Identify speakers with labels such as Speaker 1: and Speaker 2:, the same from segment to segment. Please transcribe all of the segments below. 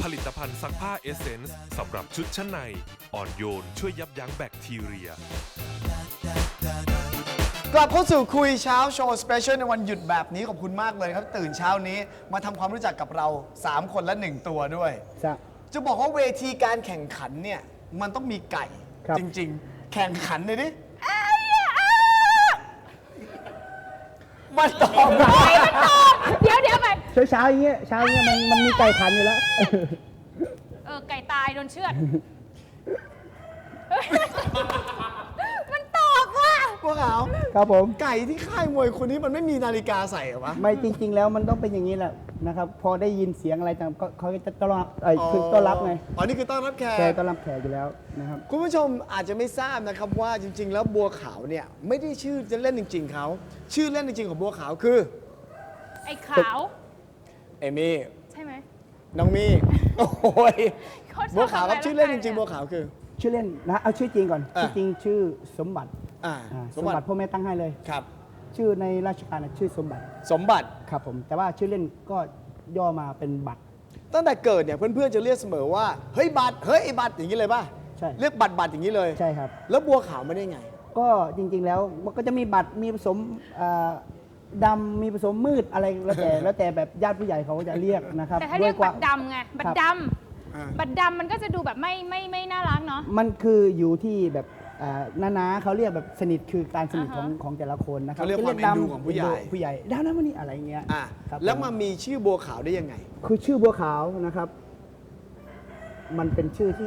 Speaker 1: ผลิตภัณฑ์ซักผ้าเอเซนส์สำหรับชุดชั้นในอ่อนโยนช่วยยับยั้งแบคทีเรีย
Speaker 2: กลับเข้าสู่คุยเช้าโชว์สเปเชียลในวันหยุดแบบนี้ขอบคุณมากเลยครับ ตื่นเช้านี้มาทำความรู้จักกับเรา 3 คนและ 1 ตัวด้วย จะบอกว่าเวทีการแข่งขันเนี่ย มันต้องมีไก่ จริง ๆ แข่งขันเลยดิมันตอบไ
Speaker 3: เดี๋ยวไป
Speaker 4: เช้าอย่างเงี้ยมันมีไก่ขันอยู่แล้ว
Speaker 3: ไก่ตายโดนเชือด มันตอบว่ะ
Speaker 2: พวกเขา
Speaker 4: ครับผม
Speaker 2: ไก่ที่ค่ายมวยคนนี้มันไม่มีนาฬิกาใส่เหรอวะ
Speaker 4: ไม่จริง ๆ แล้วมันต้องเป็นอย่างนี้แหละนะครับ พอได้ยินเสียงอะไรต่างก็เขาจะต้อนรับคือต้อนรับไง
Speaker 2: อ๋อนี่คือต้อนรับแข
Speaker 4: แก
Speaker 2: ก
Speaker 4: ต้อนรับแขกอยู่แล้วนะครับ
Speaker 2: คุณผู้ชมอาจจะไม่ทราบนะครับว่าจริง ๆ แล้วบัวขาวเนี่ยไม่ได้ชื่อจะเล่นจริง ๆเขาชื่อเล่นจริง ๆ ของบัวขาวคือ
Speaker 3: ไอ้ขาว
Speaker 2: เอมี่
Speaker 3: ใช่ไหม
Speaker 2: น้องมี่โอ้ย
Speaker 3: เขาชอบ
Speaker 2: บัวขาวครับ
Speaker 3: ทำอะไร
Speaker 2: ชื่อเล่นจ
Speaker 3: ร่างกาย
Speaker 2: ริง ๆ บัวขาวคือ
Speaker 4: ชื่อเล่นนะเอาชื่อจริงก่อน
Speaker 2: อ่ะ
Speaker 4: ชื่อจริงชื่อสมบัติ
Speaker 2: ส
Speaker 4: ส
Speaker 2: ม
Speaker 4: ม
Speaker 2: บั
Speaker 4: บั
Speaker 2: ติ
Speaker 4: ติพ่อแม่ตั้งให้เลย
Speaker 2: ครับ
Speaker 4: ชื่อในราชการน่ะชื่อสมบัติ
Speaker 2: สมบัติ
Speaker 4: ครับผม แต่ว่าชื่อเล่นก็ย่อมาเป็นบัตร
Speaker 2: ตั้งแต่เกิดเนี่ยเพื่อนๆจะเรียกเสมอว่าเฮ้ยบัตรเฮ้ยไอ้บัตรอย่างนี้เลยป่ะ
Speaker 4: ใช่
Speaker 2: เรียกบัตรอย่างนี้เลย
Speaker 4: ใช่ครับ
Speaker 2: แล้วบัวขาวไม่ได้ไง
Speaker 4: ก็จริง ๆ แล้วมันก็จะมีบัตรมีผสมดำมีผสมมืดอะไรแล้วแต่ แล้วแต่แบบญาติผู้ใหญ่เขาจะเรียกนะครับ
Speaker 3: แต่ถ้าเรียก
Speaker 4: ด้วย
Speaker 3: บัตรดำไง บัตรด
Speaker 2: อ่า
Speaker 3: ำบัตรดำมันก็จะดูแบบไม่น่ารักเนาะ
Speaker 4: มันคืออยู่ที่แบบน้าๆเขาเรียกแบบสนิทคือการสนิท
Speaker 3: อ่าฮะ
Speaker 4: ของแต่ละคนนะครับ
Speaker 2: เขาเรียกความเอ็นดูของผู้ใหญ่
Speaker 4: ผู้ใหญ่ด้านนั้นวันนี้อะไรเงี้ย
Speaker 2: อ่ะ
Speaker 4: ครับ
Speaker 2: แล้ว
Speaker 4: ผ
Speaker 2: มามีชื่อบัวขาวได้ยังไง
Speaker 4: คือชื่อบัวขาวนะครับ มันเป็นชื่อที่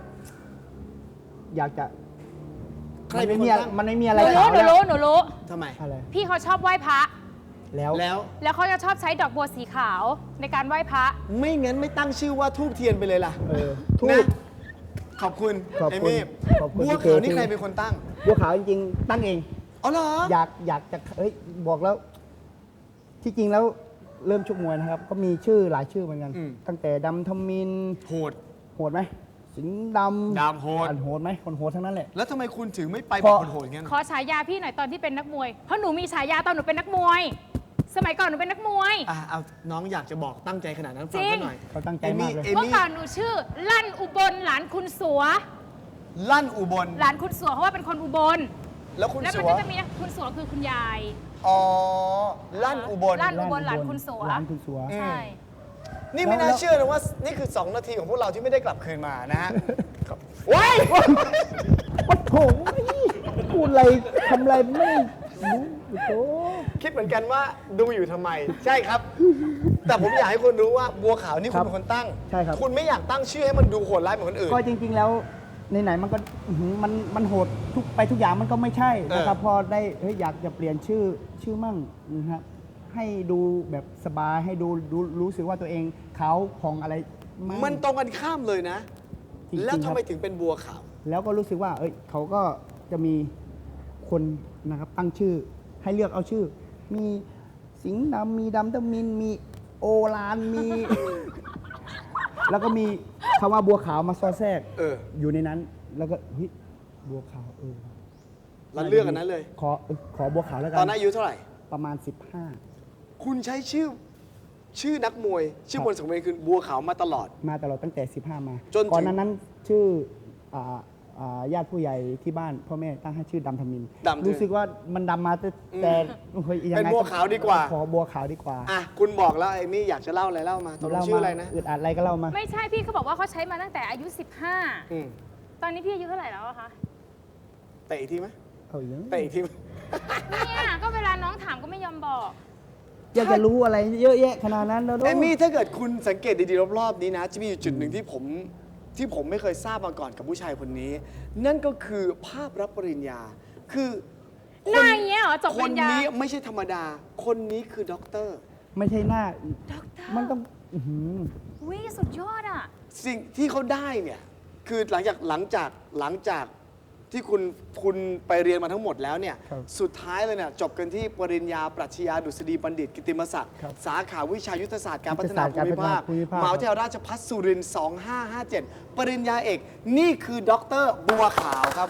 Speaker 4: อยากจะ
Speaker 2: ใครเป็นคนตั้ง
Speaker 4: มันไม่มี
Speaker 3: ห
Speaker 4: อะไร
Speaker 3: นู
Speaker 4: ขาวแล้ว
Speaker 3: หนูรู้
Speaker 2: ทำไม
Speaker 4: อะไร
Speaker 3: พี่เขาชอบไหว้พระ
Speaker 4: แล้ว
Speaker 2: แล้ว
Speaker 3: แล้วเขาจะชอบใช้ดอกบัวสีขาวในการไหว้พระ
Speaker 2: ไม่งั้นไม่ตั้งชื่อว่าทูบเทียนไปเลยล่ะ
Speaker 4: ทูบ
Speaker 2: นะขอบคุณ
Speaker 4: ขอบคุณ
Speaker 2: เอมี่
Speaker 4: ขอบคุณ
Speaker 2: บัว
Speaker 4: พี่
Speaker 2: ขาว
Speaker 4: เจ
Speaker 2: นี่ใครเป็นคนตั้ง
Speaker 4: บัวขาวจริงๆ ตั้งเอง
Speaker 2: อ๋อเหรอ
Speaker 4: อยากจะบอกแล้ว ที่จริงแล้วเริ่มชกมวยนะครับ ก็มีชื่อหลายชื่อเหมือนกัน
Speaker 2: อืม
Speaker 4: ตั้งแต่ดำทมิน
Speaker 2: โหด
Speaker 4: โหดไหมสิงห์ดำ
Speaker 2: ดำโหด
Speaker 4: อันโหดไหมคนโหดทั้งนั้นแหละ
Speaker 2: แล้วทำไมคุณถึงไม่ไป
Speaker 4: พ
Speaker 2: แบบ
Speaker 4: อ
Speaker 2: โหดๆงั้น
Speaker 3: ขอฉายาพี่หน่อยตอนที่เป็นนักมวย เพราะหนูมีฉายาตอนหนูเป็นนักมวย สมัยก่อนหนูเป็นนักมวย
Speaker 2: เอาน้องอยากจะบอกตั้งใจขนาดนั้นฟัง
Speaker 3: จริ
Speaker 2: เขา
Speaker 3: ง
Speaker 2: หน่อย
Speaker 4: เขาตั้งใจมากเลย
Speaker 2: เอ
Speaker 3: เมื่อ
Speaker 2: มี่
Speaker 3: ก่อนหนูชื่อ ลั่นอุบลหลานคุณสัว
Speaker 2: ลั่นอุบล
Speaker 3: หลานคุณสัวเพราะว่าเป็นคนอุบล
Speaker 2: แล้วคุณ
Speaker 3: แล้ว
Speaker 2: สั
Speaker 3: มัน
Speaker 2: ว
Speaker 3: ก็จะมีคุณสัวคือคุณยาย
Speaker 2: อ๋อลั่นอุบล
Speaker 3: ลั่น อุบลหลานคุณสัว
Speaker 4: หลานคุณสัว
Speaker 3: ใช่
Speaker 2: นี่ไม่น่า
Speaker 4: แล้ว
Speaker 2: เชื่อนะว่านี่คือ 2 นาทีของพวกเราที่ไม่ได้กลับคืนมานะฮะว้าย
Speaker 4: โอ้โหพูดอะไรทำอะไรไม่รู้โอ้โห
Speaker 2: คิดเหมือนกันว่าดูอยู่ทำไม ใช่ครับ แต่ผมอยากให้คุณรู้ว่าบัวขาวนี่คุณเป็นคนตั้ง
Speaker 4: ใช่ครับ
Speaker 2: คุณไม่อยากตั้งชื่อให้มันดูโหดร้ายเหมือนคนอื่น
Speaker 4: ก็จริง ๆ แล้วไหนๆมันก็อื้อหือมันโหดทุกอย่างมันก็ไม่ใช่นะครับ พอได้อยากจะเปลี่ยนชื่อมั่งนะครับให้ดูแบบสบายให้ดูรู้สึกว่าตัวเองเขาของอะไรมั่ง
Speaker 2: มันตรงกันข้ามเลยนะ
Speaker 4: จริงๆ
Speaker 2: แล้วทำไม
Speaker 4: ครับ
Speaker 2: ถึงเป็นบัวขาว
Speaker 4: แล้วก็รู้สึกว่าเขาก็จะมีคนนะครับตั้งชื่อให้เลือกเอาชื่อ มีสิงห์ดำมีดำตะมินมีโอลานมี แล้วก็มีคำว่าบัวขาวมาซอแทรก อยู่ในนั้น แล้วก็เฮ้ยบัวขาว
Speaker 2: เราเลือกกันนั้นเลย
Speaker 4: ขอบัวขาวแล้วกั
Speaker 2: ตอนนั้นอายุเท่าไหร่
Speaker 4: ประมาณ
Speaker 2: คุณใช้ชื่อนักมวย ชื่อมวยสังเวียนคือบัวขาวมาตลอด
Speaker 4: 15 มาตลอดตั้งแต่ 15 มา
Speaker 2: จนถึง
Speaker 4: ก่อนนั้นชื่อญาติผู้ใหญ่ที่บ้านพ่อแม่ตั้งให้ชื่อดำทมิน
Speaker 2: ดำทมิน
Speaker 4: รู้สึกว่ามันดำมาแต่เฮ้ยยังไง
Speaker 2: เป็นบัวขาวดีกว่า
Speaker 4: ขอบัวขาวดีกว่า
Speaker 2: อ่ะคุณบอกแล้วไอ้มี่อยากจะเล่าอะไรเล่ามาตกลงชื่ออะไรนะ
Speaker 4: อึดอัดอะไรก็เล่ามา
Speaker 3: ไม่ใช่พี่เขาบอกว่าเขาใช้มาตั้งแต่อายุ
Speaker 2: อืม
Speaker 3: 15 ตอนนี้พี่อายุเท่าไหร่แล้วอะคะ
Speaker 2: เตะอีกทีไหม
Speaker 4: เอาอย่าง
Speaker 2: เตะอีกทีไหม
Speaker 3: เนี่ยก็เวลาน้องถามก็ไม่ยอมบอก
Speaker 4: อยากจะรู้อะไรเยอะแยะขนาดนั้นแล้ว
Speaker 2: เอมี่ถ้าเกิดคุณสังเกตดีๆรอบๆนี้นะ จะมีอยู่จุดหนึ่งที่ผมไม่เคยทราบมาก่อนกับผู้ชายคนนี้ นั่นก็คือภาพรับปริญญา คือ
Speaker 3: หน้าอย่างเงี้ยเหรอจบ
Speaker 2: ค
Speaker 3: ปริ
Speaker 2: น
Speaker 3: ญญา
Speaker 2: นี้ไม่ใช่ธรรมดา คนนี้คือด็อกเตอร์
Speaker 4: ไม่ใช่หน้า
Speaker 3: ด็อกเตอร์
Speaker 4: มันต้องอื้อหือ
Speaker 3: วิสุดยอดอ่ะ
Speaker 2: สิ่งที่เขาได้เนี่ยคือหลังจากที่คุณไปเรียนมาทั้งหมดแล้วเนี่ย
Speaker 4: ครับ
Speaker 2: สุดท้ายเลยเนี่ยจบกันที่ปริญญาปรัชญาดุษฎีบัณฑิตกิตติมศักดิ์
Speaker 4: ครับ
Speaker 2: สาขาวิชายุทธศาสตร์การพัฒนา
Speaker 4: ยุทธศาสตร์
Speaker 2: ภูมิภาค
Speaker 4: การพัฒนาภูมิภาค
Speaker 2: มหาวิทยาลัยราชภัฏสุรินทร์2557 ปริญญาเอกนี่คือด็อกเตอร์บัวขาวครับ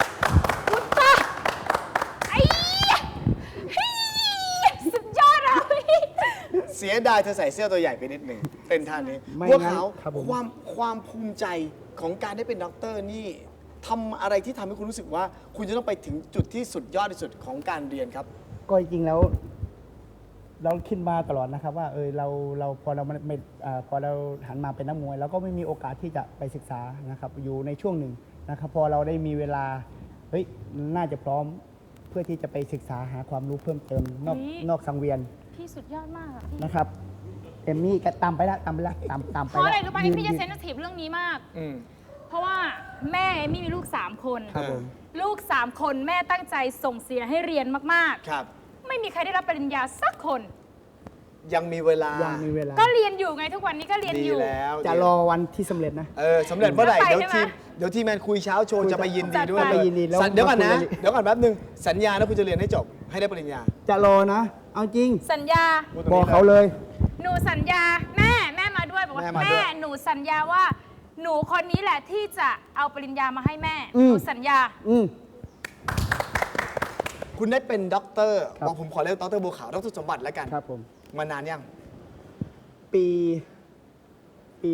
Speaker 3: ไอ้เฮ้ยสุดยอดอ่ะพี่
Speaker 2: เสียดายเธอใส่เสื้อตัวใหญ่ไปนิดหนึ่งเป็นท่านี้
Speaker 4: ไม่
Speaker 2: บัว
Speaker 4: งั้น
Speaker 2: ขาว
Speaker 4: ครับผม
Speaker 2: ความความภูมิใจของการได้เป็นด็อกเตอร์นี่ทำอะไรที่ทำให้คุณรู้สึกว่า คุณจะต้องไปถึงจุดที่สุดยอดที่สุดของการเรียนครับ
Speaker 4: ก็จริงๆแล้ว เราคิดมาตลอดนะครับว่าเราพอเราไม่พอเราหันมาเป็นนักมวยเราก็ไม่มีโอกาสที่จะไปศึกษานะครับอยู่ในช่วงหนึ่งนะครับพอเราได้มีเวลาเฮ้ยน่าจะพร้อมเพื่อที่จะไปศึกษาหาความรู้เพิ่มเติมนอกสังเวียน
Speaker 3: พี่สุดยอดมากอะพี่
Speaker 4: นะครับเอมมี่ก็ตามไปละตามไป
Speaker 3: เพราะอะไรรู้ป่ะ
Speaker 4: ยื
Speaker 3: พี่จะ
Speaker 4: ยื
Speaker 3: เซนซิทีฟเรื่องนี้มาก
Speaker 2: อืม
Speaker 3: เพราะว่าแม่เอมมี่มีลูก 3 คน
Speaker 4: ครับผม
Speaker 3: ลูก 3 คนแม่ตั้งใจส่งเสียให้เรียนมาก
Speaker 2: ครับ
Speaker 3: ๆ ไม่มีใครได้รับปริญญาสักคน
Speaker 2: ยังมีเวลา
Speaker 4: ยังมีเวลา
Speaker 3: ก็เรียนอยู่ไงทุกวันนี้ก็เรียน
Speaker 2: ดี
Speaker 3: อยู่
Speaker 2: แล้ว
Speaker 4: จะรอวันที่สำเร็จนะ
Speaker 2: สำเร็จเมื่อไหร่
Speaker 3: จะไป
Speaker 2: เดี๋ยว
Speaker 3: ใช่ไหม
Speaker 2: เดี๋ยวทีมแมนคุยเช้าโชว์จะไปยินดีด้วย
Speaker 3: จัดไป
Speaker 2: เลย
Speaker 4: ยินดีแล้ว
Speaker 2: เดี๋ยวก่อนนะ
Speaker 4: มาคุยกัน
Speaker 2: เดี๋ยวก่อนแป๊บนึงสัญญานะคุณจะเรียนให้จบให้ได้ปริญญา
Speaker 4: จะรอนะ เอาจริง
Speaker 3: สัญญา
Speaker 2: พูดตรง
Speaker 4: บอก
Speaker 2: นี้
Speaker 4: เขาเลย
Speaker 3: หนูสัญญาแม่มาด้วยบอกว่า
Speaker 2: แม่มาด้วย
Speaker 3: หนูสัญญาว่า หนูคนนี้แหละที่จะเอาปริญญามาให้แม่
Speaker 4: อืม
Speaker 3: หนูสัญญา
Speaker 4: อืม
Speaker 2: คุณได้เป็นด็อกเตอร์
Speaker 4: ครับ
Speaker 2: บอกผมขอเรียกด็อกเตอร์บัวขาวด็อกเตอร์สมบัติแล้วกัน
Speaker 4: ครับผม
Speaker 2: มานานยัง
Speaker 4: ปี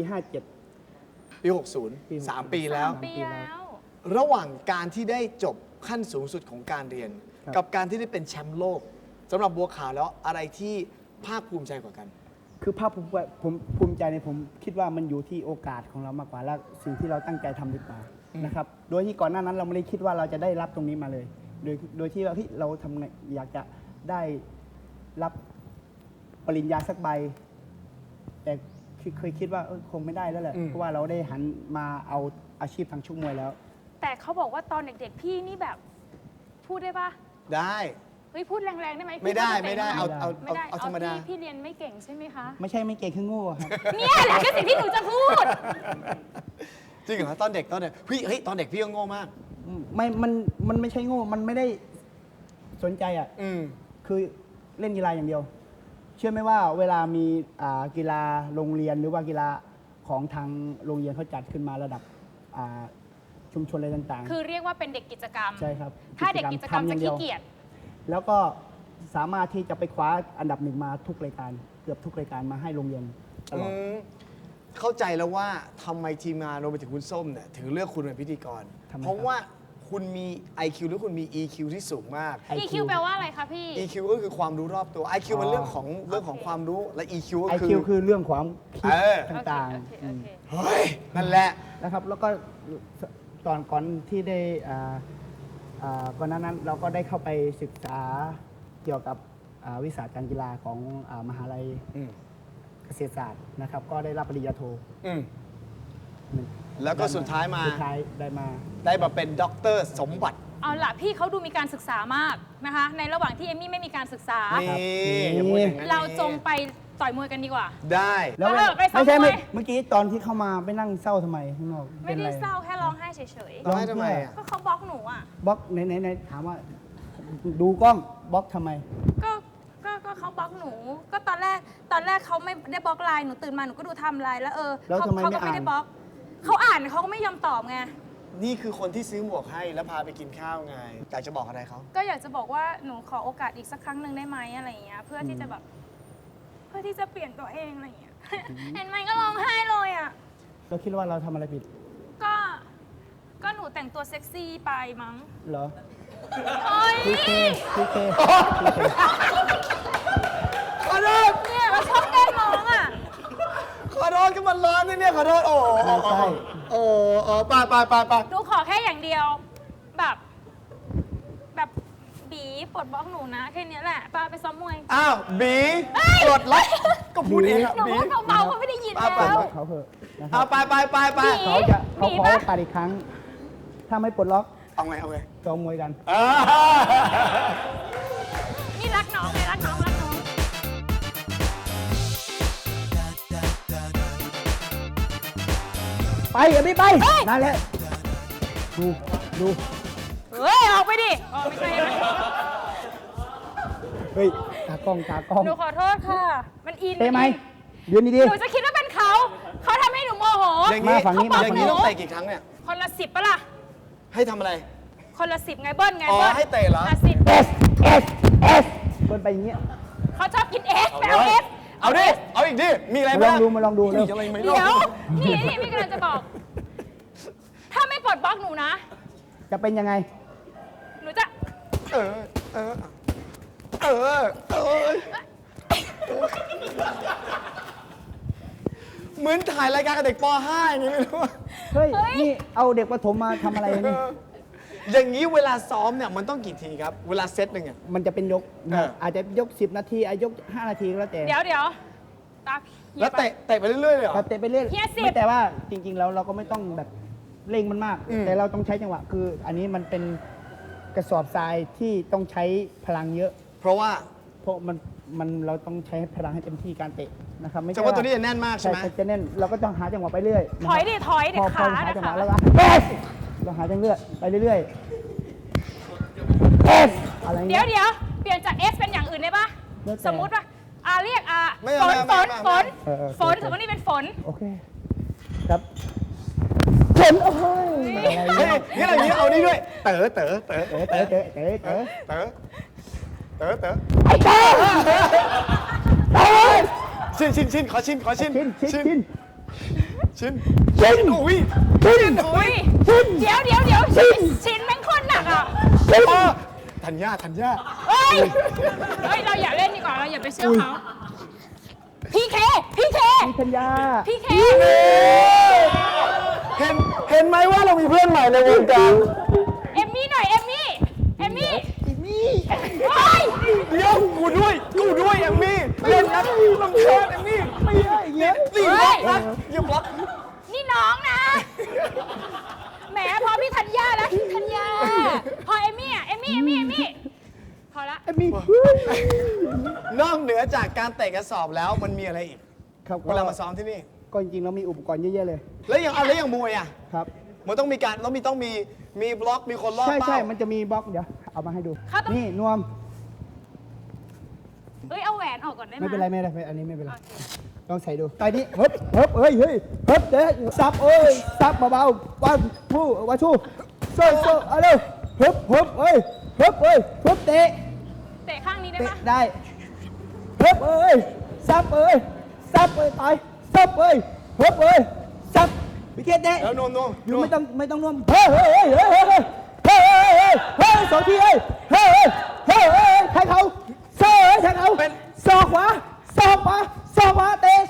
Speaker 4: 57
Speaker 2: ปี 60 3 ปีแล้ว
Speaker 3: ปีแล้ว
Speaker 2: ระหว่างการที่ได้จบขั้นสูงสุดของการเรียน
Speaker 4: ครับ
Speaker 2: กับการที่ได้เป็นแชมป์โลกสำหรับบัวขาวแล้วอะไรที่ภาคภูมิใจกว่ากัน
Speaker 4: คือภาพผมภูมิใจในผมคิดว่ามันอยู่ที่โอกาสของเรามากกว่าและสิ่งที่เราตั้งใจทำดีกว่านะครับโดยที่ก่อนหน้านั้นเราไม่ได้คิดว่าเราจะได้รับตรงนี้มาเลย โดยที่ว่าเฮ้ยเราทำไงอยากจะได้รับปริญญาสักใบ แต่เคยคิดว่าคงไม่ได้แล้วแหละ
Speaker 2: อืม
Speaker 4: เพราะว่าเราได้หันมาเอาอาชีพทางชกมวยแล้ว
Speaker 3: แต่เขาบอกว่าตอนเด็กๆ พี่นี่แบบ พูดได้ปะ
Speaker 2: ได้
Speaker 3: เฮ้ยพูดแรงๆได้ไหม
Speaker 2: ไม่ได้
Speaker 3: พี่
Speaker 2: ไม่ได้
Speaker 3: จะ
Speaker 2: เอา
Speaker 3: ตะ
Speaker 2: เอา
Speaker 3: ไม่ได้
Speaker 2: เอาธรรมดา
Speaker 3: พี่เรียนไม่เก่งใช่ไหมคะ
Speaker 4: ไม่ใช่ไม่เก่งคือโง่ครับ
Speaker 3: เนี่ยแหละคือสิ่งที่หนูจะพูด
Speaker 2: จริงเหรอตอนเด็กตอนเด็กเฮ้ยตอนเด็กพี่ก็โง่มาก
Speaker 4: มันไม่ใช่โง่มันไม่ได้สนใจอ่ะ
Speaker 2: อืม
Speaker 4: คือเล่นกีฬาอย่างเดียว เชื่อไหมว่าเวลามีกีฬาโรงเรียนหรือว่ากีฬาของทางโรงเรียนเขาจัดขึ้นมาระดับชุมชนอะไรต่างๆ
Speaker 3: คือเรียกว่าเป็นเด็กกิจกรรม
Speaker 4: ใช่ครับ
Speaker 3: ถ้าเด็กกิจกรรม
Speaker 4: ทำอ
Speaker 3: จะ
Speaker 4: ย่างเดี
Speaker 3: ขี้
Speaker 4: ยว
Speaker 3: เกียจ
Speaker 4: แล้วก็สามารถที่จะไปคว้าอันดับหนึ่งมาทุกรายการ เกือบทุกรายการมาให้โรงเรียนตลอด
Speaker 2: เข้าใจแล้วว่าทำไมทีมงานรวมไปถึงคุณส้มเนี่ยถึงเลือกคุณเป็นพิธีกร
Speaker 4: ทำไม
Speaker 2: เพราะว่าคุณมี IQ หรือคุณมี EQ ที่สูงมาก
Speaker 3: EQ แปลว่าอะไรคะพี่
Speaker 2: EQ ก็คือความรู้รอบตัว IQ มันเรื่องของความรู้และ EQ ก็คือ
Speaker 4: IQ คือเรื่องความคิด
Speaker 2: เออ
Speaker 4: ต่าง
Speaker 3: โอเค
Speaker 4: ๆ
Speaker 3: โอเค
Speaker 2: เฮ้ย นั่นแหละ
Speaker 4: นะครับแล้วก็ก่อนที่ได้ก่อนหน้านั้นเราก็ได้เข้าไปศึกษาเกี่ยวกับวิชาการกีฬาของมหาลัย
Speaker 2: อืม
Speaker 4: เกษตรศาสตร์นะครับ ก็ได้รับปริญญาโท
Speaker 2: อืม แล้วก็สุดท้ายมา
Speaker 4: สุดท้ายได้มา
Speaker 2: ได้มาเป็นด็อกเตอร์สมบัติ
Speaker 3: เอาล่ะพี่เขาดูมีการศึกษามากนะคะ ในระหว่างที่เอมมี่ไม่มีการศึกษา
Speaker 2: นี่อย่าพูดอย่างนั้น
Speaker 3: เราจงไปต่อยมวยกันดีกว่า
Speaker 2: ได้
Speaker 4: แล้ว
Speaker 3: ไปซ้อม
Speaker 4: ไม่ใช่
Speaker 3: มวย
Speaker 4: เมื่อกี้ตอนที่เข้ามาไปนั่งเศร้าทำไมข้างนอก
Speaker 3: ไม่
Speaker 4: ป็น
Speaker 3: ได้
Speaker 4: ร
Speaker 3: เศร้าแค่ร้องไห้เฉย
Speaker 2: ร้องไห้ทำไมอ่ะ
Speaker 3: ๆ ก็เขาบล็อกหนูอ่ะ
Speaker 4: บล็อกไหนถามว่าดูกล้องบล็อกทำไม
Speaker 3: ก็เขาบล็อกหนู ก็ตอนแรกเขาไม่ได้บล็อกไลน์หนูตื่นมาหนูก็ดูไทม์ไลน์แล้ว
Speaker 4: แล้ว
Speaker 3: เขา
Speaker 4: ทำไม
Speaker 3: เขา
Speaker 4: ไม่
Speaker 3: ก็ไม่
Speaker 4: อ่าน
Speaker 3: ได้บล็อกเขาอ่านเขาก็ไม่ยอมตอบไง
Speaker 2: นี่คือคนที่ซื้อหมวกให้แล้วพาไปกินข้าวไง อยากจะบอกอะไรเขา
Speaker 3: ก็อยากจะบอกว่าหนูขอโอกาสอีกสักครั้งหนึ่งได้ไหมอะไรอย่างเงี้ยเพื่อที่จะแบบเพื่อที่จะเปลี่ยนตัวเองอะไรอย่างเงี้ย เห็นไหมก็ร้องไห้เลยอ่ะ
Speaker 4: เราคิดว่าเราทำอะไรผิด
Speaker 3: ก็หนูแต่งตัวเซ็กซี่ไปมั้ง
Speaker 4: เหรอ
Speaker 3: โอ๊ย
Speaker 4: พีเค
Speaker 2: ขอโทษ
Speaker 3: เนี่ยเราชอบแกล้งน้องอ่ะ
Speaker 2: ขอโทษก็มันร้อนนะเนี่ยขอโทษโอ้โห
Speaker 4: ไม่ใช่
Speaker 2: โอ้โหไป
Speaker 3: หนูขอแค่อย่างเดียว แบบบีปลดบล็อกหนูนะแค่เนี้ยแหละไปซ้อมมวย
Speaker 2: อ้าวบีปลดล็อกก็พูดเองอะ
Speaker 3: หนู
Speaker 2: บี
Speaker 3: ว่าเบาๆเขาไม่ได้ยิน
Speaker 2: ป้า
Speaker 3: แล้ว
Speaker 4: เขาเถอะนะค
Speaker 2: เอา
Speaker 4: รับ
Speaker 2: ไป
Speaker 3: บี
Speaker 4: เขาขอโอกาสอีกครั้ง ถ้าไม่ปลดล็อก
Speaker 2: เอาไง
Speaker 4: ซ้อมมวยกัน
Speaker 3: นี่รักน้องไงรักน้อง
Speaker 4: ไปอย่าไม่ไปนั่นแหละดู
Speaker 3: เฮ้ยออกไปดิอ๋อไม่ใช่ไหม
Speaker 4: เฮ้ยตากล้อง
Speaker 3: หนูขอโทษค่ะ มันอิน
Speaker 4: เตะไหมยืนดี
Speaker 3: หนูจะคิดว่าเป็นเขาทำให้หนูโมโห
Speaker 2: อย่างนี้
Speaker 4: มาฝั่งนี้มา
Speaker 2: อย่างนี้ต้องเตะกี่ครั้งเนี่ย
Speaker 3: คนละ10ปะล่ะ
Speaker 2: ให้ทำอะไร
Speaker 3: คนละ10ไงเบิ้ลไง
Speaker 2: อ๋อ
Speaker 3: เบิ้ล
Speaker 2: ให้เตะเหรอ
Speaker 3: 10
Speaker 4: S เบิ้ลไปอย่างเงี้ย
Speaker 3: เขาชอบกินเอสแปลเอส
Speaker 2: เอาดิ เอาอีกดิ มีอะไร
Speaker 4: มาล
Speaker 2: บ้า
Speaker 4: อง งดูมาลองดู
Speaker 2: มี
Speaker 4: เร็ว
Speaker 2: อะไรไหม
Speaker 3: เดี๋ยวนี่พี่กำลังจะบอก ถ้าไม่ปลดบล็อกหนูนะ
Speaker 4: จะเป็นยังไง
Speaker 3: หนูจะ
Speaker 2: เออ เออ เออ เออ เหมือนถ่ายรายการกับเด็กป .5 อย่างนี้ไม่รู้
Speaker 4: เฮ้ย นี่เอาเด็กประถมมาทำอะไรนี่
Speaker 2: อย่างนี้เวลาซ้อมเนี่ยมันต้องกี่ทีครับ เวลาเซตหนึ่งอ่ะ
Speaker 4: มันจะเป็นยกนะ
Speaker 2: เออ
Speaker 4: อาจจะยก 10 นาทีอาจยก 5 นาทีก็แล้วแต่
Speaker 3: เดี๋ยวตา
Speaker 2: แล้วเตะไปเรื่อยๆเลยเหรอ
Speaker 4: ครับเตะไปเรื่อย
Speaker 3: เฮียสิบ
Speaker 4: ไม่แต่ว่าจริงๆแล้วเราก็ไม่ต้องแบบเร่งมันมาก
Speaker 2: อืม
Speaker 4: แต่เราต้องใช้จังหวะคือ อันนี้มันเป็นกระสอบทรายที่ต้องใช้พลังเยอะ
Speaker 2: เพราะว่า
Speaker 4: เพราะมันเราต้องใช้พลังให้เต็มที่การเตะนะครับไม่
Speaker 2: แต่
Speaker 4: ใช่
Speaker 2: ว่าตัวนี้จะแน่นมากใช่ไหม
Speaker 4: จะแน่นเราก็ต้องหาจังหวะไปเรื่อยนะ
Speaker 3: ถ
Speaker 4: ค
Speaker 3: อ
Speaker 4: รั
Speaker 3: ย
Speaker 4: บ
Speaker 3: ดิถอยดิ
Speaker 4: พอ
Speaker 3: ขา
Speaker 4: หา
Speaker 3: ดิ
Speaker 4: จังห
Speaker 3: ขาว
Speaker 4: ะแล้วก็เราหาจังเรื่อยไปเรื่อยๆอะไร
Speaker 3: เดี๋
Speaker 4: เงี้
Speaker 3: ยวย เปลี่ยนจาก S เป็นอย่างอื่นได้ปะ
Speaker 4: แล้วแต่
Speaker 3: สมมุติว่าเรียก
Speaker 2: ไม่
Speaker 3: ฝ
Speaker 2: เอา
Speaker 3: น
Speaker 2: ไม่เอา
Speaker 3: ฝน
Speaker 2: ไม่เอา
Speaker 3: ฝน
Speaker 4: เออ
Speaker 3: ฝนสมมตินี่เป็นฝน
Speaker 4: โอเคครับฝนโอ้ยอะไร
Speaker 2: เฮ้ย
Speaker 4: เงี้ย
Speaker 2: งั้นเอาอย่างนี้เอานี่ด้วย เต๋อ
Speaker 4: เต๋อเต๋อเต๋อเต๋อเต๋อ
Speaker 2: เต๋อ เต๋อ เต๋อ
Speaker 4: ไอ้เต๋อเต๋อ
Speaker 2: ชิน ขอชิน
Speaker 4: ชิน
Speaker 2: อุ้ย
Speaker 3: อุ้ยเดี๋ยวชิ้นแม่งโคนหนักอ่ะ
Speaker 2: อ๋อธัญญา
Speaker 3: เฮ้ยเราอย่าเล่นดีกว่าเราอย่าไปเชื่อเขาพี่เค
Speaker 4: พี่ธัญญา
Speaker 3: พี่เค
Speaker 2: เห็นไหมว่าเรามีเพื่อนใหม่ในวงการ
Speaker 3: เอมมี่หน่อยเอมมี่เฮ้ย
Speaker 2: เดี๋ยวกูด้วยเอมมี่เล่นนะลำคาญเอมมี่
Speaker 4: ไม่ได้เงี้ย
Speaker 2: ตีบล็อกนะอย่าบล็อก
Speaker 3: นี่น้องนะแหมพอพี่ธัญญาแล้วพี่ธัญญาพอเอมมี่พอละ
Speaker 4: ไอ้มี
Speaker 2: นอกเหนือจากการเตะกระสอบแล้วมันมีอะไรอีก
Speaker 4: ครับ
Speaker 2: เวลามาซ้อมที่นี่
Speaker 4: ก็จริงๆเรามีอุปกรณ์เยอะๆเลย
Speaker 2: แล้วอย่างมวยอ่ะ
Speaker 4: ครับ
Speaker 2: มันต้องมีการแล้วต้องมีบล็อกมีคนรอบ
Speaker 4: ใช่
Speaker 2: เป้า
Speaker 4: ใช่มันจะมีบล็อกเดี๋ยวเอามาให้ดู
Speaker 3: เขาต้อง
Speaker 4: นี่นวม
Speaker 3: เอาแหวนออกก่อนได้ไหม
Speaker 4: ไม่เป็นไรอันนี้ไม่เป็นไรลองใส่ดูตอนนี้เฮ้ยเฮ้ยเดี๋ยวซับซับเบาๆวันชูโซ่เอาเร็วเฮ้ยเตะ
Speaker 3: เตะข้างนี้ได้
Speaker 4: เตะ
Speaker 3: ปะ
Speaker 4: ได้ซับต่อยซับวิกเก็ตเตะ
Speaker 2: แล้วโน
Speaker 4: อยู่ไม่ต้องนวมเฮ้ยสองทีเฮ้ยใครเขาใครเขาศอกขวาเตะ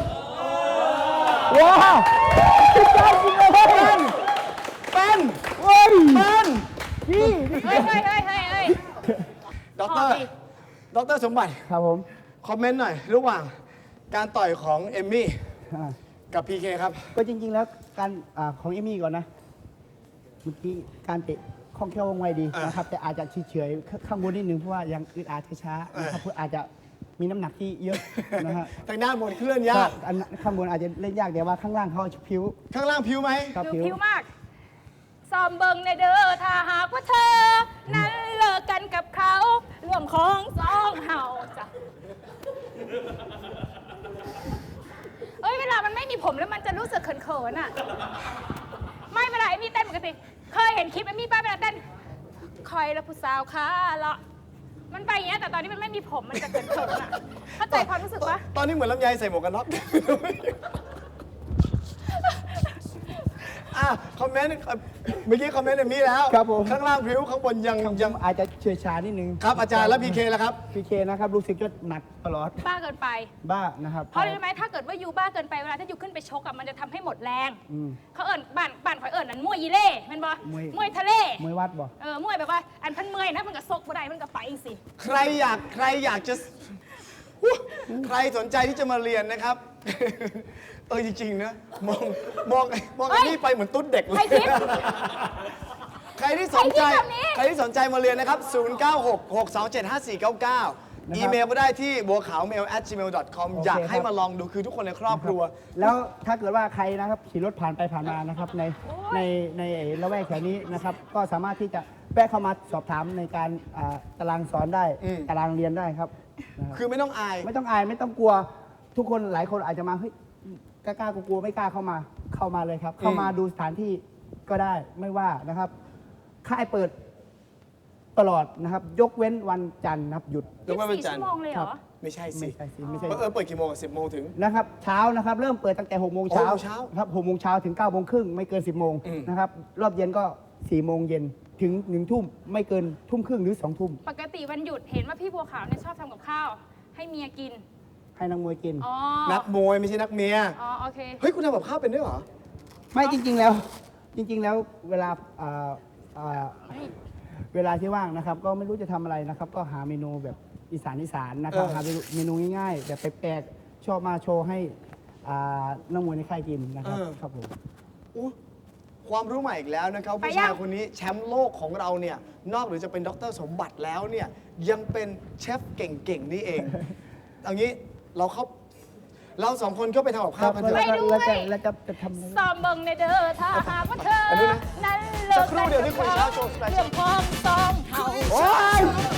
Speaker 4: ว้าวสุดยอดจริงเลย
Speaker 2: เป็น
Speaker 4: เฮ้ยนี่
Speaker 3: เฮ้ย
Speaker 2: ด็อก
Speaker 3: พอดิ
Speaker 2: เตอร์สมบัติ
Speaker 4: ครับผม
Speaker 2: คอมเมนต์หน่อย ระหว่างการต่อยของเอมมี่กับพีเคครับ
Speaker 4: ก็จริงๆแล้วการของเอมี่ก่อนนะเมื่อกี้การเตะคล่องแคล่วว่องไวดีนะครับแต่อาจจะเฉยๆข้างบนนิดนึงเพราะว่ายังอึดอัดช้าๆนะครับเพื่ออาจจะมีน้ำหนักที่เยอะนะฮะ
Speaker 2: ทางด้านบนเคลื่อนยาก
Speaker 4: อันข้างบนอาจจะเล่นยากแต่ว่าข้างล่างเขาผิว
Speaker 2: ข้างล่างผิวไหม
Speaker 4: ครับ
Speaker 3: ดู
Speaker 4: ผิว
Speaker 3: ผิวมากซ้อมเบิงในเด้อถ้าหากว่าเธอ นั้นเลิกกันกับเขาร่วมของสองเฮาจ้ะเวลามันไม่มีผมแล้วมันจะรู้สึกเขินๆอ่ะ ไม่เวลาเอมมี่เต้นปกติเคยเห็นคลิปเอมมี่ป้าเวลาเต้นคอยละผู้สาวขาละมันไปอย่างเงี้ยแต่ตอนนี้มันไม่มีผมมันจะเขินๆอ่ะเข้าใจความรู้สึกปะ
Speaker 2: ตอนนี้เหมือนลำไยใส่หมวกกันน็อกคอมเมนต์เมื่อกี้คอมเมนต์เอมมี่แล้ว
Speaker 4: ครับผม
Speaker 2: ข้างล่างผิวข้างบนยัง
Speaker 4: อาจจะเฉื่อยชานิดนึง
Speaker 2: ครับอาจารย์แล้วพีเคแล้วครับ
Speaker 4: พีเคนะครับรู้สึกจะหนักตลอด
Speaker 3: บ้าเกินไป
Speaker 4: บ้านะครับ
Speaker 3: เพราะอะไรรู้ไหมถ้าเกิดว่ายูบ้าเกินไปเวลาถ้ายูขึ้นไปชกอะมันจะทำให้หมดแรง เขาเอิญบ้านข่อยเอิญนั้นมวยยีเล่แมันบ่มวยทะเล
Speaker 4: มวยวัดบ่
Speaker 3: มวยแบบว่าอันพันเมอยนะมันก็ซกบ่ได้มันก็ไปสิ
Speaker 2: ใครอยากจะใครสนใจที่จะมาเรียนนะครับ จริงๆนะมองไอ้นี่ไปเหมือนตุ๊ดเด็กเลย
Speaker 3: ใครคิด
Speaker 2: ใครที่สนใจ
Speaker 3: ใครคิดแบบนี้
Speaker 2: ใครที่สนใจมาเรียนนะครับ 0966275499 อีเมลก็ได้ที่บัวขาว mail@gmail.com อยากให้มาลองดูคือทุกคนในครอบครัว
Speaker 4: แล้วถ้าเกิดว่าใครนะครับขี่รถผ่านไปผ่านมานะครับในละแวกแถวนี้นะครับก็สามารถที่จะแวะเข้ามาสอบถามในการตารางสอนได้ ตารางเรียนได้ครับนะครับ
Speaker 2: คือไม่ต้องอาย
Speaker 4: ไม่ต้องอายไม่ต้องกลัวทุกคนหลายคนอาจจะมาเฮ้ยกล้ากลัวไม่กล้าเข้ามาเลยครับ เข้ามาดูสถานที่ก็ได้ไม่ว่านะครับค่ายเปิดตลอดนะครับ ยกเว้นวันจันทร์นะครับหยุด
Speaker 2: ยกเว้นวัน
Speaker 3: 24
Speaker 2: จันท
Speaker 3: ชั่
Speaker 2: ร์
Speaker 3: วโมงเลยเหรอ
Speaker 2: ไม่ใช่สิ
Speaker 4: ไม่ใช่สิไม่ใช่
Speaker 2: เปิดกี่โมง10 โมงถึง
Speaker 4: นะครับเช้านะครับเริ่มเปิดตั้งแต่6 โมงเช้า
Speaker 2: 6 โมงเช้า
Speaker 4: ครับ6 โมงเช้าถึง9 โมงครึ่งไม่เกิน 10 โมง
Speaker 2: อืม
Speaker 4: นะครับรอบเย็นก็ 4 โมงเย็นถึง 1 ทุ่มไม่เกินทุ่มครึ่งหรือ 2 ทุ่ม
Speaker 3: ปกติวันหยุดเห็นว่าพี่บัวขาวเนี่ยชอบทำกับข้าว ให้เมียกิน
Speaker 4: ให้นักมวยกิน
Speaker 3: อ๋อ
Speaker 2: นักมวยไม่ใช่นักเมีย
Speaker 3: อ๋อโอเค
Speaker 2: เฮ้ย คุณทำกับข้าวเป็นด้วยเหรอ
Speaker 4: ไม่จริง ๆ แล้วเวลาเวลาที่ว่างนะครับ ก็ไม่รู้จะทำอะไรนะครับ ก็หาเมนูแบบอีสานนะครับ
Speaker 2: เออ
Speaker 4: หาเมนูง่ายๆ แบบแปลกๆชอบมาโชว์ให้นักมวยในค่ายกินนะครับครับผม
Speaker 2: อู้ความรู้ใหม่อีกแล้วนะครับ
Speaker 3: ไป
Speaker 2: ผู้
Speaker 3: ยั
Speaker 2: ชาง ยคนนี้แชมป์โลกของเราเนี่ย นอกหรือจะเป็นดรสมบัติแล้วเนี่ย ยังเป็นเชฟเก่งๆ นี่เอง เอางี้เราสองคนก็ไปทำกับข้าวกันเถ
Speaker 3: ไป
Speaker 2: อะ
Speaker 3: ด้วย
Speaker 4: แล้วจะทำอะไร
Speaker 3: ซ้อมเบิ่งในเด้อถ้าหากว่าเธอ
Speaker 2: อันนี้นะ
Speaker 3: นั้นเลิ
Speaker 2: สั
Speaker 3: ก
Speaker 2: กครู่เดียวที่คุยเช้าโชว์สเปเชียล
Speaker 3: เรื่องของสองเฮา
Speaker 2: โอ๊ย